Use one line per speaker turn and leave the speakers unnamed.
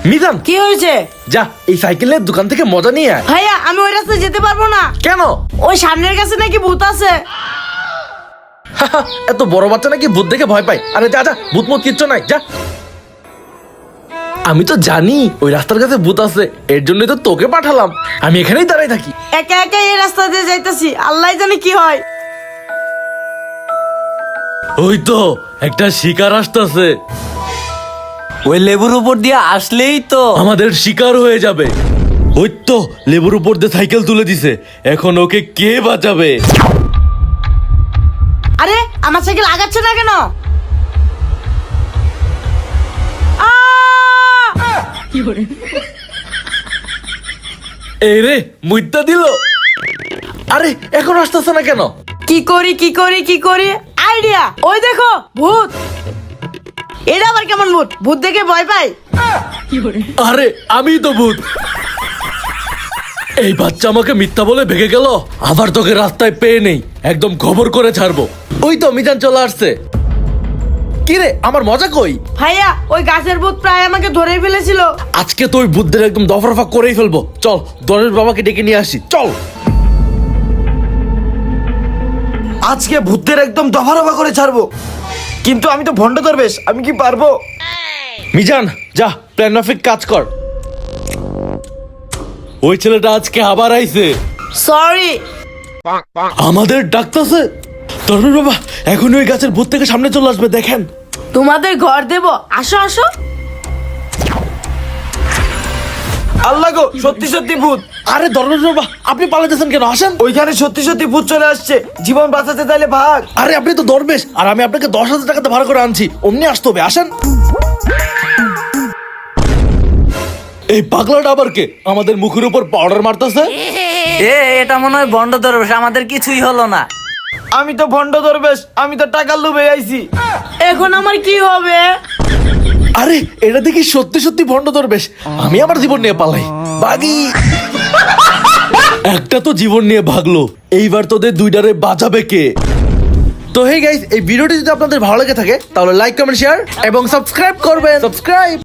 মিজান,
কি হয়েছে?
যা এই সাইকেলের দোকান থেকে মজা নিয়ে আয়।
ভাইয়া আমি ওই রাস্তায় যেতে পারবো না।
কেন?
ওই সামনের কাছে নাকি ভূত আছে।
এত বড় বাচ্চা নাকি ভূত দেখে ভয় পায়? আরে যা যা, ভূত মত কিচ্ছু নাই, যা। আমি তো জানি ওই রাস্তার কাছে ভূত আছে, এর জন্যই তো তোকে পাঠালাম। আমি এখানেই দাঁড়াই থাকি।
একা একা এই রাস্তা দিয়ে যাইতাছি, আল্লাহ জানে কি হয়।
ওই তো একটা শিকার আসতেছে,
ওই লেবুর উপর দিয়ে আসলেই তো
আমাদের শিকার হয়ে যাবে। ওই তো লেবুর উপর দিয়ে সাইকেল তুলে দিছে, এখন ওকে কে বাঁচাবে?
আরে আমার সাইকেল আগাচ্ছে না কেন?
এই রে মুইতা দিল। আরে এখন আসতেছে না কেন?
কি করি কি করি কি করি, আইডিয়া! ওই দেখো ভূত। এটা আবার কেমন ভূত? ভূত দেখে ভয় পাই?
আরে আমি তো ভূত। এই বাচ্চা আমাকে মিথ্যা বলে ভেগে গেল, আবার তোকে রাস্তায় পেয়ে নেই, একদম খবর করে ছাড়বো। ওই তো মিজান চলে আসছে। কি রে, আমার মজা কই?
ভাইয়া ওই গাছের ভূত প্রায় আমাকে ধরে ফেলেছিল।
আজকে তো ওই বুদ্ধের একদম দফরফা করেই ফেলবো। চল দরের বাবাকে ডেকে নিয়ে আসি, চল।
আজকে ভূতদের একদম দফারফা করে ছাড়বো। কিন্তু আমি তো ভণ্ড দরবেশ, আমি কি পারবো?
মিজান যা, প্ল্যান মাফিক কাজ কর। ওই ছেলেটা আজকে আবার আইছে,
সরি।
আমাদের ডাকতেছে। দরবেশ বাবা এখন ওই গাছের ভূত থেকে সামনে চলে আসবে, দেখেন।
তোমাদের ঘর দেব, আসো আসো।
আল্লাহ গো, সত্যি সত্যি ভূত।
আরে দরবেশ বাবা আপনি পালাতেছেন কেন? আসেন।
ওইখানে সত্যি সত্যি ভূত চলে আসছে, জীবন বাঁচাতে চাইলে ভাগ।
আরে আপনি তো দরবেশ, আর আমি আপনাকে 10,000 টাকাতে ভাড়া করে আনছি, অমনি আসতে হবে, আসেন। এই পাগলাটা আবার কে? আমাদের মুখের উপর পাউডার মারতেছে।
এটা মনে হয় বন্ড দরবেশ, আমাদের কিছুই হলো না।
আমি তো ভণ্ড দরবেশ, আমি তো টাকার লোভে আইছি।
এখন আমার কি হবে?
আরে এটা দেখি সত্যি সত্যি ভণ্ড দরবেশ। আমি আমার জীবন নিয়ে পালাই, বাগি। একটা তো জীবন নিয়ে ভাগলো, এইবার তোদের দুইটারে বাঁচাবে কে? তো হেই গাইস, এই ভিডিওটি যদি আপনাদের ভালো লেগে থাকে তাহলে লাইক কমেন্ট শেয়ার এবং সাবস্ক্রাইব করবেন। সাবস্ক্রাইব।